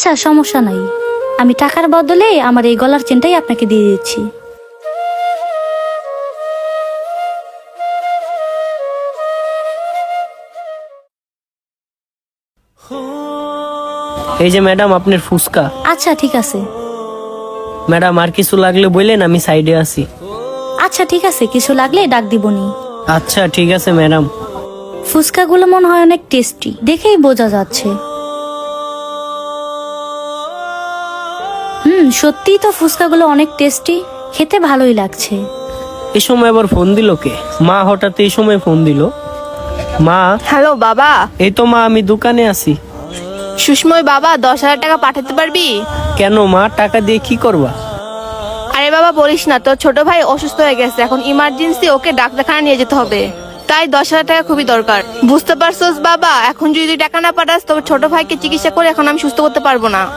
আচ্ছা সমস্যা নাই, আমি টাকার বদলে আমার এই গলার চেনটাই আপনাকে দিয়ে দিচ্ছি। এই যে ম্যাডাম আপনার ফুসকা। আচ্ছা ঠিক আছে। ম্যাডাম আর কিছু লাগলে বললেন, আমি সাইডে আছি। আচ্ছা ঠিক আছে, কিছু লাগলে ডাক দিবনি। আচ্ছা ঠিক আছে ম্যাডাম। ফুচকাগুলো মনে হয় অনেক টেস্টি, দেখেই বোঝা যাচ্ছে। সত্যিই তো ফুচকাগুলো অনেক টেস্টি, খেতে ভালোই লাগছে। এই সময় আবার ফোন দিল কে? মা হঠাৎ এই সময় ফোন দিল। মা। হ্যালো বাবা। এই তো মা, আমি দোকানে আছি। সুষময় বাবা, 10,000 টাকা পাঠাতে পারবি? কেন মা, টাকা দিয়ে কি করবা? আরে বাবা বলিস না, তোর ছোট ভাই অসুস্থ হয়ে গেছে, এখন ইমার্জেন্সি ওকে ডাক্তারখানা নিয়ে যেতে হবে, তাই 10,000 টাকা খুবই দরকার। বুঝতে পারছোস বাবা, এখন যদি টাকা না পাঠাস তবে ছোট ভাইকে চিকিৎসা করে এখন আমি সুস্থ করতে পারবো না।